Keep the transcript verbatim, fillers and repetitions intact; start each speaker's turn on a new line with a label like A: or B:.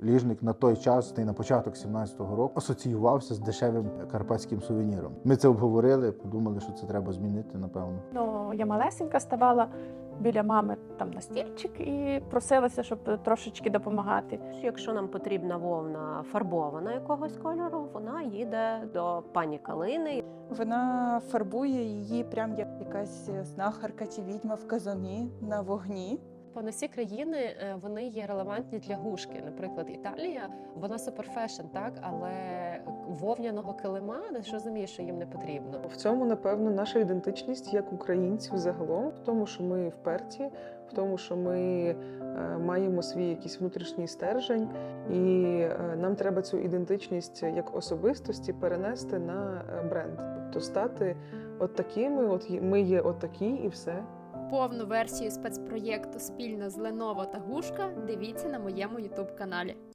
A: ліжник на той час, та й на початок сімнадцятого року, асоціювався з дешевим карпатським сувеніром. Ми це обговорили, подумали, що це треба змінити, напевно.
B: Ну, я малесенька ставала біля мами там на стільчик і просилася, щоб трошечки допомагати.
C: Якщо нам потрібна вовна фарбована якогось кольору, вона їде до пані Калини.
D: Вона фарбує її прям як якась знахарка чи відьма в казані на вогні.
E: Не всі країни вони є релевантні для гушки. Наприклад, Італія, вона суперфешн, так, але вовняного килима, не ж розумієш, що їм не потрібно.
F: В цьому, напевно, наша ідентичність як українців загалом, в тому, що ми вперті, в тому, що ми е, маємо свій якийсь внутрішній стержень, і е, нам треба цю ідентичність як особистості перенести на бренд. Тобто стати от такими, от ми є от такі і все.
G: Повну версію спецпроєкту спільно з Lenovo та Гушка дивіться на моєму ютуб каналі.